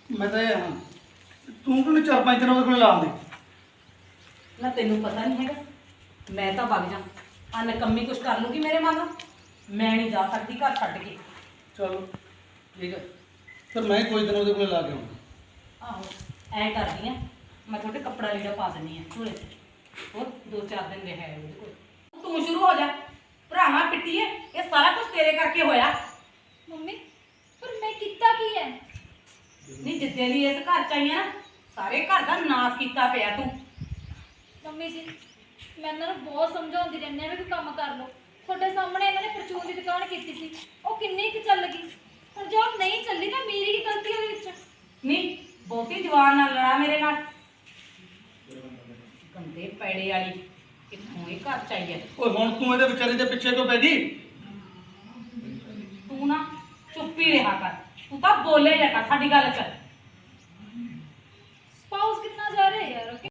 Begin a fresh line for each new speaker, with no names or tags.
ਮੈਂ ਤਾਂ ਇਹ ਹਾਂ ਤੂੰ ਕਿਉਂ 4-5 ਦਿਨ ਉਹਦੇ ਕੋਲ ਲਾਉਂਦੀ।
ਨਾ ਤੈਨੂੰ ਪਤਾ ਨਹੀਂ ਹੈਗਾ, ਮੈਂ ਤਾਂ ਵਗ ਜਾ ਆ ਨਕੰਮੀ ਕੁਛ ਕਰ ਲੂਗੀ ਮੇਰੇ ਮਨ ਨਾਲ। ਮੈਂ ਨਹੀਂ ਜਾ ਸਕਦੀ ਘਰ ਛੱਡ ਕੇ।
ਚਲੋ ਠੀਕ ਹੈ, ਫਿਰ ਮੈਂ ਕੋਈ ਦਿਨ ਉਹਦੇ ਕੋਲ ਲਾ ਕੇ ਆਉਂਗਾ।
ਆਹੋ ਐ ਕਰਦੀ ਆ, ਮੈਂ ਤੁਹਾਡੇ ਕੱਪੜਾ ਲੀੜਾ ਪਾ ਦਿੰਦੀ ਆ ਝੋਲੇ 'ਚ, ਹੋਰ 2-4 ਦਿਨ ਰਿਹਾ ਉਹਦੇ ਕੋਲ। ਤੂੰ ਸ਼ੁਰੂ ਹੋ ਜਾ, ਭਰਾਵਾਂ ਪਿੱਟੀਏ, ਇਹ ਸਾਰਾ ਕੁਝ ਤੇਰੇ ਕਰਕੇ ਹੋਇਆ।
ਮੰਮੀ ਪਰ ਮੈਂ ਕੀਤਾ ਕੀ ਹੈ?
ਨਹੀਂ ਜਿੱਦੇ ਦੀ ਇਸ ਘਰ ਚ ਆਈ ਆ ਨਾ, ਸਾਰੇ ਘਰ ਦਾ ਨਾਸ ਕੀਤਾ ਪਿਆ ਤੂੰ।
ਮੰਮੀ ਜੀ ਮੈਂ ਇਹਨਾਂ ਨੂੰ ਬਹੁਤ ਸਮਝਾਉਂਦੀ ਰਹਿੰਦੀ ਆ ਵੀ ਕੋਈ ਕੰਮ ਕਰ ਲਓ। ਤੁਹਾਡੇ ਸਾਹਮਣੇ ਇਹਨਾਂ ਨੇ ਪਰਚੂਨ ਦੀ ਦੁਕਾਨ ਕੀਤੀ ਸੀ, ਉਹ ਕਿੰਨੀ ਕੁ ਚੱਲ ਗਈ। ਹੁਣ ਜੇ ਉਹ ਨਹੀਂ ਚੱਲੀ ਤਾਂ ਮੇਰੀ ਕੀ ਗਲਤੀ ਉਹਦੇ ਵਿੱਚ?
ਨਹੀਂ ਬਹੁਤੀ ਜਵਾਨ ਨਾਲ ਲੜਾ ਮੇਰੇ ਨਾਲ। ਗੰਦੇ ਪੈੜੇ ਵਾਲੀ ਕਿੱਥੋਂ ਇਹ ਘਰ ਚ ਆਈ ਹੈ।
ਓਏ ਹੁਣ ਤੂੰ ਇਹਦੇ ਵਿਚਾਰੇ ਦੇ ਪਿੱਛੇ ਕਿਉਂ ਪੈ ਗਈ?
ਤੂੰ ਨਾ ਚੁੱਪ ਹੀ ਰਿਹਾ ਕਰ, ਤੂੰ ਤਾਂ ਬੋਲੇ ਜਾ ਕਰ ਸਾਡੀ ਗੱਲ ਚ।